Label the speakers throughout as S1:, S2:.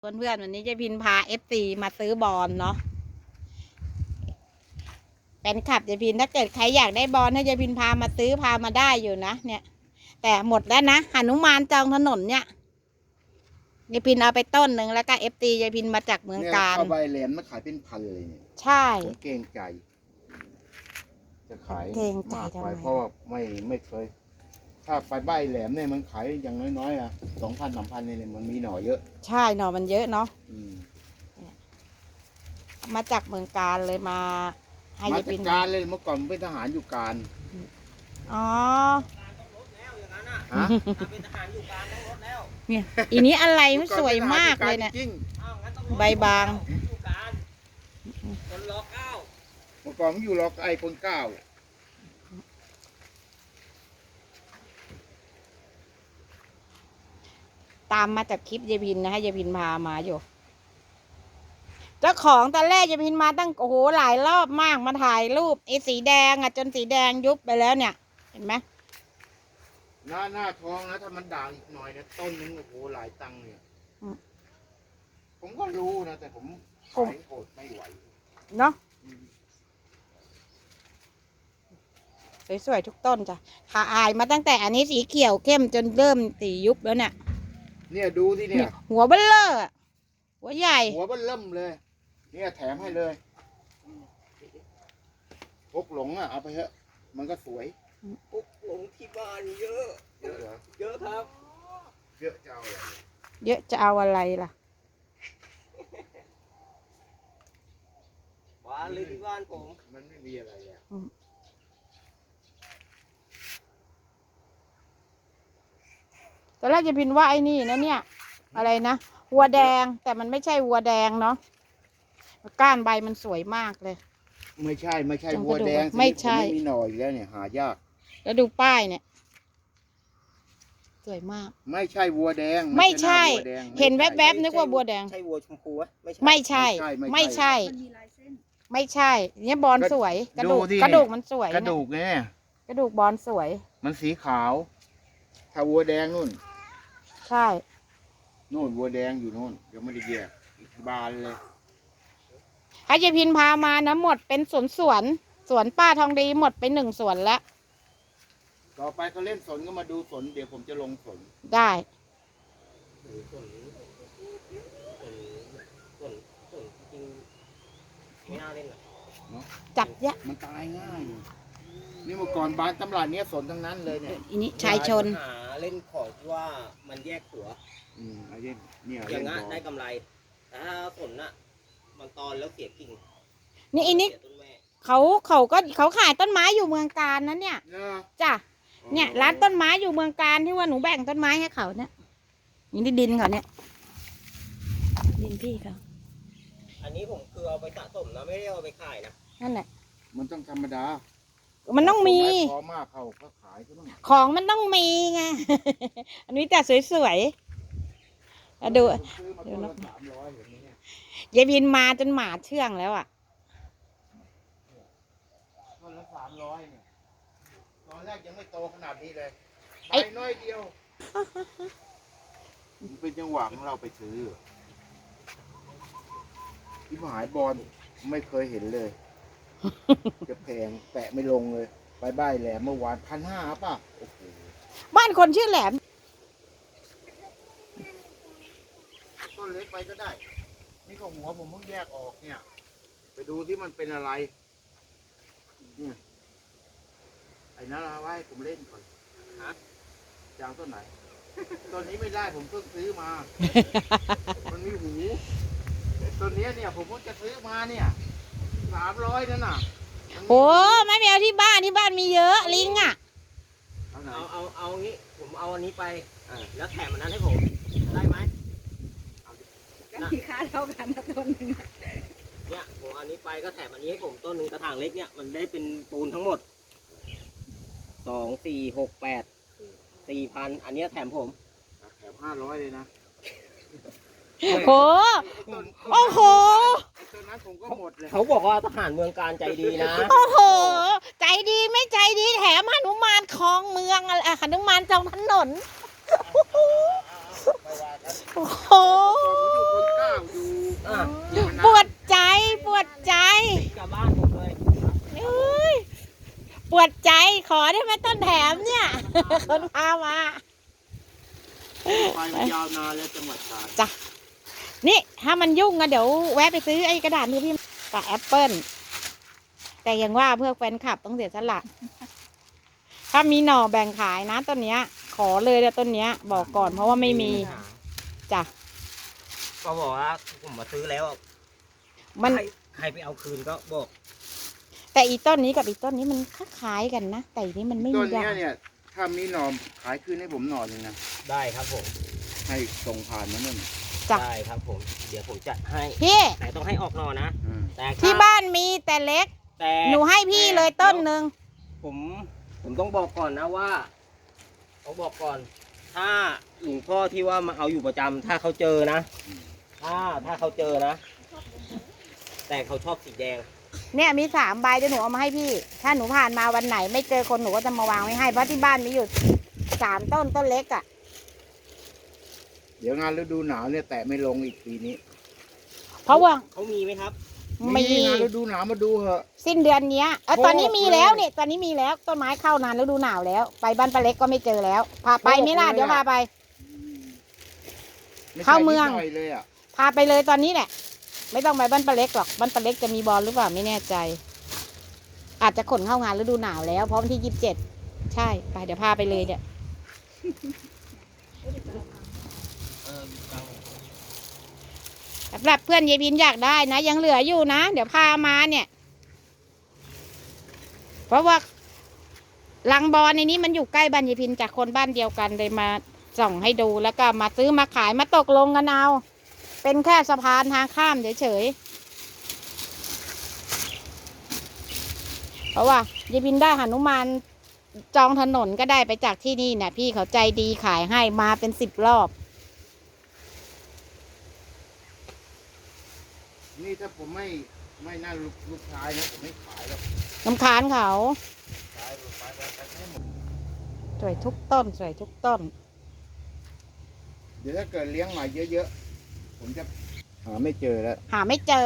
S1: เพื่อนๆวันนี้จะพินพาFCมาซื้อบอลเนาะเป็นขับจะพินถ้าเกิดใครอยากได้บอลให้จะพินพามาซื้อพามาได้อยู่นะเนี่ยแต่หมดแล้วนะหนุมานจองถนนเนี่ยยายพินเอาไปต้นหนึ่งแล้วก็FCยายพินมาจากเมืองการ
S2: เข้าใบแหลมมาขายเป็นพันเลยเนี่ย
S1: ใช่
S2: ผมเกรงใจจะขาย
S1: เกรงใจทำไม
S2: เพราะว่าไม่เคยถ้าไปใบแหลมเนี่ยมันขายอย่างน้อยๆอ่ะ2,000-3,000เนี่ยมันมีหน่อเยอะ
S1: ใช่หน่อมันเยอะเนาะมาจากเมืองการเลยมาให้ยายพิน
S2: การเลยเมื่อก่อนเป็นทหารอยู่การ
S1: อ๋อ
S2: ฮะ
S3: เป็นทหารอยู่การต้องลดแล้ว
S1: เนี่ยอีนี้อะไรมันสวยมากเลยเนี่ยใบบาง
S3: คนรอเก้า
S2: เมื่อก่อนมันอยู่รอไอ้คนเก้า
S1: ตามมาจากคลิปยายพินนะให้ยายพินพามาอยู่เจ้าของตอนแรกยายพินมาตั้งโอ้โหหลายรอบมากมาถ่ายรูปไอ้สีแดงอ่ะจนสีแดงยุบไปแล้วเนี่ยเห็นไหม
S2: หน้าทองนะถ้ามันด่างอีกหน่อยนะต้นนึงโอ้โหหลายตังค์เนี่ยผมก็รู้นะแต่ผมขายโกรธไม่ไหว
S1: เนาะสวยๆทุกต้นจ้ะถ่ายมาตั้งแต่อันนี้สีเขียวเข้มจนเริ่มสียุบแล้วเนี่ย
S2: ดูที่เนี่ย
S1: หัวเบ้อเลอหัวใหญ่
S2: หัวเบ้อเริ่มเลยเนี่ยแถมให้เลยพกหลงอ่ะเอาไปเถอะมันก็สวย
S3: พกหลงที่บ้านเยอะ
S2: เยอะเหรอ
S3: เยอะครับ
S2: เยอะจะเอาอะไร
S1: เยอะจะเอาอะไรล่ะ
S3: บ้านเลยที่บ้านผม
S2: มันไม่มีอะไรอ่ะ
S1: ตอนแรกจะพินว่าไอ้นี่นะเนี่ยอะไรนะวัวแดงแต่มันไม่ใช่วัวแดงเนาะก้านใบมันสวยมากเลย
S2: ไม่ใช่วัวแดง
S1: ไม่ใช่
S2: ไม่มีหน่อยแล้วเนี่ยหายาก
S1: แล้วดูป้ายเนี่ยสวยมาก
S2: ไม่ใช่วัวแดง
S1: ไม่ใช่เห็นแวบๆนึกว่าวัวแดง
S3: ใช่วัวชมพู
S1: ไม่ใช่ไม่ใช่ไม่ใช่เนี่ยบอลสวยกระดูกมันสวย
S2: กระดูกเนี่ย
S1: กระดูกบอลสวย
S2: มันสีขาวถ้าวัวแดงนู่น
S1: ใช่
S2: นู่นวัวแดงอยู่นู่นยังไม่ได้แยกบานเลย
S1: ให้ยายพินพามานะหมดเป็นสวนป้าทองดีหมดไป1 สวนแล้ว
S2: ต่อไปเขาเล่นสนก็มาดูสนเดี๋ยวผมจะลงสน
S1: ได้จับเยอะ
S2: มันตายง่ายนี่เมื่อก่อนบ้านตำราเนี้ยสนทั้งนั้นเลยเนี่ย
S1: อันนี้ชายชน
S3: หาเล่นของว่ามันแยกหัว
S2: ไอ้เนี่ย
S3: อย่างนั้นได้กำไรแต่ถ้าสนน่ะมันตอนแล้วเสียกิ่ง
S1: นี่อันนี้เขาขายต้นไม้อยู่เมืองการนะเนี่ยจ้ะเนี่ยร้านต้นไม้อยู่เมืองการที่ว่าหนูแบ่งต้นไม้ให้เขาเนี่ยนี่ดินเขาเนี่ยดินพี่เขา
S3: อันนี้ผมคือเอาไปสะสมนะไม่ได้เอาไปขายนะ
S1: นั่นแหละ
S2: มันต้องธรรมดา
S1: มันต้องมี
S2: พอมากเขาก็ขาย
S1: ของมันต้องมีไงอันนี้แต่สวยๆดูนะยายบินมาจนหมาเชื่องแล้วอ่ะ
S2: ต้นละ300เนี่ยตอนแรกยังไม่โตขนาดนี้เลยใบน้อยเดียวมันเป็นจังหวะของเราไปซื้อที่หายบอลไม่เคยเห็นเลยจะแพงแปะไม่ลงเลยไปบ้านแหลมเมื่อวาน1,500ป่ะโอ้โห
S1: บ้านคนชื่อแหลม
S2: ต้นเล็กไปก็ได้นี่ก็หัวผมเพิ่งแยกออกเนี่ยไปดูที่มันเป็นอะไรเนี่ยไอ้นั่นเอาไว้ผมเล่นก่อนฮะจางต้นไหนต้นนี้ไม่ได้ผมเพิ่งซื้อมามันมีหูต้นนี้เนี่ยผมเพิ่งจะซื้อมาเนี่ย300นั่นน่ะ
S1: โอ้ไม่เอาที่บ้านมีเยอะลิงอ่ะ
S3: เอางี้ผมเอาอันนี้ไปแล้วแถมอันนั้นให้ผมได้ไหม
S1: กันที่ค่าเท่ากันนะต้นนึง
S3: เนี่ยผมอันนี้ไปก็แถมอันนี้ให้ผมต้นหนึ่งกระถางเล็กเนี่ยมันได้เป็นปูนทั้งหมด2 4 6 8 4,000อันนี้แถมผม
S2: แถม500เลยนะ
S1: โอ้โห
S2: ต้นนั้นผมก็หมดเลย
S3: เขาบอกว่าทหารเมืองการใจดีนะ
S1: โอ้โหใจดีไม่ใจดีแถมหนุมานคลองเมืองอะไรหนุมานจองถนนโอ้โหวดใจขอได้ไหมต้นแถมเนี่ย คนพามา
S2: ไปมันยาวนานแล้วจังหวัดตราด
S1: จ้ะนี่ถ้ามันยุ่งอะเดี๋ยวแวะไปซื้อไอ้กระดาษมือพี่กับแอปเปิ้ลแต่ยังว่าเพื่อแฟนคลับต้องเสียสละถ้ามีหน่อแบ่งขายนะต้นเนี้ย ขอเลยนะต้นเนี้ย บอกก่อนเพราะว่าไม่มีจ้ะ
S3: ก็บอกว่าผมมาซื้อแล้ว
S1: มัน
S3: ใครไปเอาคืนก็บอก
S1: แต่อีต้นนี้กับอีต้นนี้มันคล้ายๆกันนะแต่อีนี้มันไม่
S2: ต้
S1: มี
S2: นเนี้
S1: ดาย ก
S2: เนี่ยถ้ามีหน่อขายคืนให้ผมหน่อหนึงนะ
S3: ได้ครับผม
S2: ให้ส่งผ่านมานั่น
S1: จ้ะ
S3: ได้ครับผม เดี๋ยวผมจัดให้
S1: พี่
S3: แต่ต้องให้ออกหนอนะ
S2: อืม
S3: แต่
S1: ที่บ้านมีแต่เล็ก
S3: แต่
S1: หนูให้พี่เลยต้นหนึ่ง
S3: ผมต้องบอกก่อนนะว่าต้องบอกก่อน ถ้าหลวงพ่อที่ว่ามาเอาอยู่ประจำถ้าเขาเจอนะ ถ้าเขาเจอนะ แต่เขาชอบสีแดง
S1: เนี่ยมี3 ใบเดี๋ยวหนูเอามาให้พี่ ถ้าหนูผ่านมาวันไหนไม่เจอคนหนูก็จะมาวางไว้ให้เพราะที่บ้านมีอยู่3 ต้นต้นเล็กอ่ะ
S2: เดี๋ยวงานฤดูหนาวเนี่ยแตะไม่ลงอีกปีนี้
S1: เพราะว่า
S3: เขามีไหมครับ
S1: มี
S2: งานฤดูหนาวมาดูเหอะ
S1: สิ้นเดือนเนี้ย
S2: โอ้
S1: ตอนนี้มีแล้ว
S2: เลย
S1: เนี่ยตอนนี้มีแล้วต้นไม้เข้านานฤดูหนาวแล้ว ไปบ้านป้าเล็กก็ไม่เจอแล้วพาไปไหม่ล่ะ
S2: โอ้เลยอะ
S1: เดี๋ยวพาไป
S2: ไใช่
S1: เข้าเมือง
S2: นิดหน่อยเลยอ่ะ
S1: พาไปเลยตอนนี้แหละไม่ต้องไปบ้านป้าเล็กหรอกบ้านป้าเล็กจะมีบอลหรือเปล่าไม่แน่ใจ อาจจะขนเข้างานฤดูหนาวแล้วเพราะวันที่27ใช่ไปเดี๋ยวพาไปเลยเนี่ยสำหรับเพื่อนยายพินอยากได้นะยังเหลืออยู่นะ เดี๋ยวพามาเนี่ย เพราะว่าลังบอลในนี้มันอยู่ใกล้บ้านยายพินจากคนบ้านเดียวกันเลยมาส่องให้ดูแล้วก็มาซื้อมาขายมาตกลงกันเอาเป็นแค่สะพานทางข้ามเฉยๆเพราะว่ายายพินได้หนุมานจองถนนก็ได้ไปจากที่นี่เนี่ยพี่เขาใจดีขายให้มาเป็น10 รอบ
S2: นี่ถ้าผมไม่น่าลูกชายนะผมไม่ขายแล้ว
S1: น้ำค้านเขา
S2: ขายไปให้หมด
S1: สวยทุกต้นสวยทุกต้น
S2: เดี๋ยวถ้าเกิดเลี้ยงใหม่เยอะๆผมจะหาไม่เจอแล้ว
S1: หาไม่เจอ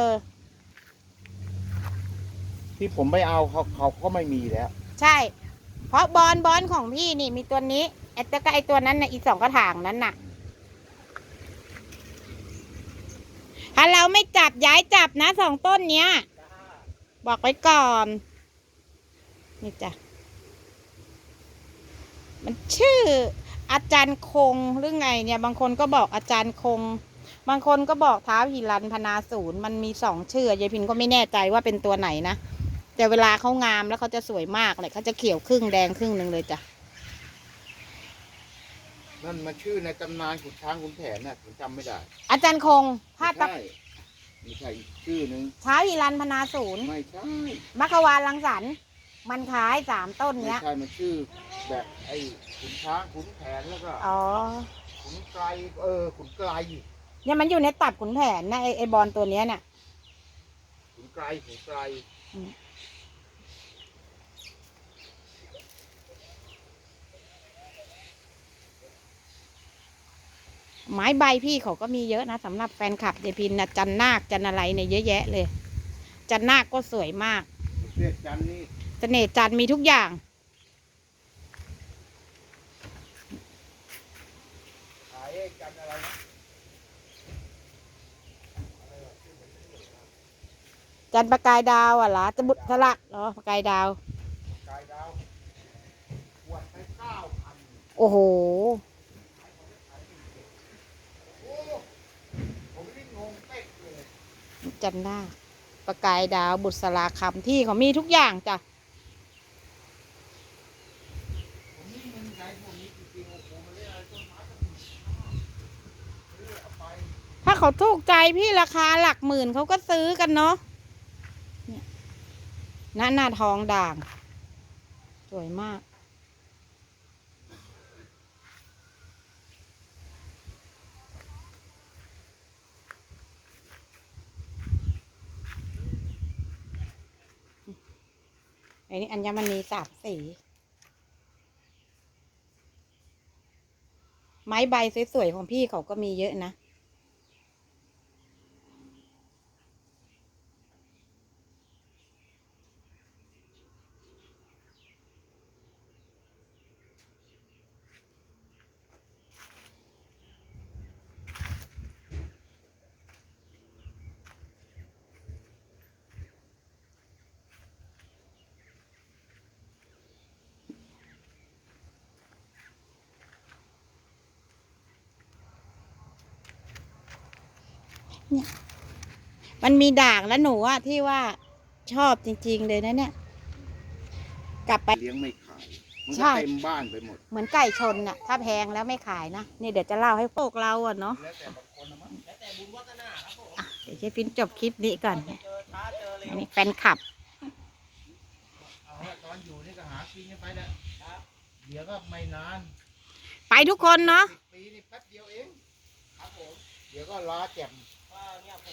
S2: ที่ผมไม่เอาเขาก็ไม่มีแล้ว
S1: ใช่ เพราะบอลของพี่นี่มีตัวนี้ไอ้ตัวก็ไอ้ตัวนั้นน่ะอีก2 กระถางนั้นน่ะ ถ้าเราไม่จับย้ายจับนะ2 ต้นเนี้ย บอกไว้ก่อน นี่จ้ะ มันชื่ออาจารย์คงหรือไงเนี่ย บางคนก็บอกอาจารย์คง บางคนก็บอกท้าวหิรันพนาศูนย์มันมี2 ชื่อยายพินก็ไม่แน่ใจว่าเป็นตัวไหนนะ แต่เวลาเขางามแล้วเขาจะสวยมากเลยเขาจะเขียวครึ่งแดงครึ่งหนึ่งเลยจ้ะ
S2: นั่นมาชื่อในตำนานขุนช้างขุนแผนน่ะผมจำไม่ได้
S1: อาจารย์คงถ้า
S2: ไม่ใช่ไม่ใช่อีกชื่อหนึ่ง
S1: ท้าวหิรันพนาศูนย์
S2: ไม่ใช่
S1: มัคควานรังสรรค์มันคล้าย3 ต้น
S2: ไม่
S1: เนี้ย
S2: ใช่มันชื่อแบบไอ้ขุนช้างขุนแผนแล้วก็
S1: อ๋อ
S2: ขุนไกรขุนไกร
S1: เนี่ยมันอยู่ในตับขุนแผนนะไอ้บอลตัวเนี้ยเนี่ย
S2: ขุนไกรขุนไกร
S1: ไม้ใบพี่เขาก็มีเยอะนะสำหรับแฟนคลับยายพินนะจันนาคจันอะไรเนี่ยเยอะแยะเลย จันนาคก็สวยมาก
S2: เรียกจันนี่
S1: เสน่ห์จันทร์มีทุกอย่าง
S2: ขายไอ้จันอะไรนะ
S1: จันทร์ประกายดาวอ่ะเหรอจะบุตรสลักเหรอประกายดาว
S2: กายดาวขวดไป9,000
S1: โอ้โห
S2: โอ้ผมนี่งงเป๊กเลย
S1: จันนาคประกายดาวบุตรสลาคำที่เขามีทุกอย่างจ้ะ
S2: ผมนี่มึงใจพวกนี้จริงๆโอ้โหมันเรียกอะไรต้นไม้ก็มีซื้อเอาไป
S1: ถ้าเขาถูกใจพี่ราคาหลักหมื่นเขาก็ซื้อกันเนาะเนี่ยหน้าทองด่าง สวยมาก อันนี้อัญมณี3 สี ไม้ใบสวยๆของพี่เขาก็มีเยอะนะเนี่ยมันมีด่างแล้วหนูอะที่ว่าชอบจริงๆเลยนะเนี่ย กลับไป
S2: เลี้ยงไม่ขายมัน
S1: ใช่
S2: ก็เต็มบ้านไปหมด
S1: เหมือนไก่ชนน่ะ ถ้าแพงแล้วไม่ขายนะ นี่เดี๋ยวจะเล่าให้พวกเราอะเนาะ
S2: แล้วแต่บางคนนะมั้ง
S3: แล้วแต่บุญวัฒนาครับผม
S1: อ่ะเดี๋ยวเจ๊ฟินจบคลิปนี้ก่อน
S3: เจอช้าเจอเร็ว
S1: อันนี้แฟนคลับ
S2: เอาละตอนอยู่นี่ก็หากินกันไปแหละครับเดี๋ยวก็ไม่นาน
S1: ไปทุกคนเนาะ
S2: 10 ปีนี่แป๊บเดียวเองครับผมเดี๋ยวก็ล้าแจ่ม
S3: ก็เนี่ย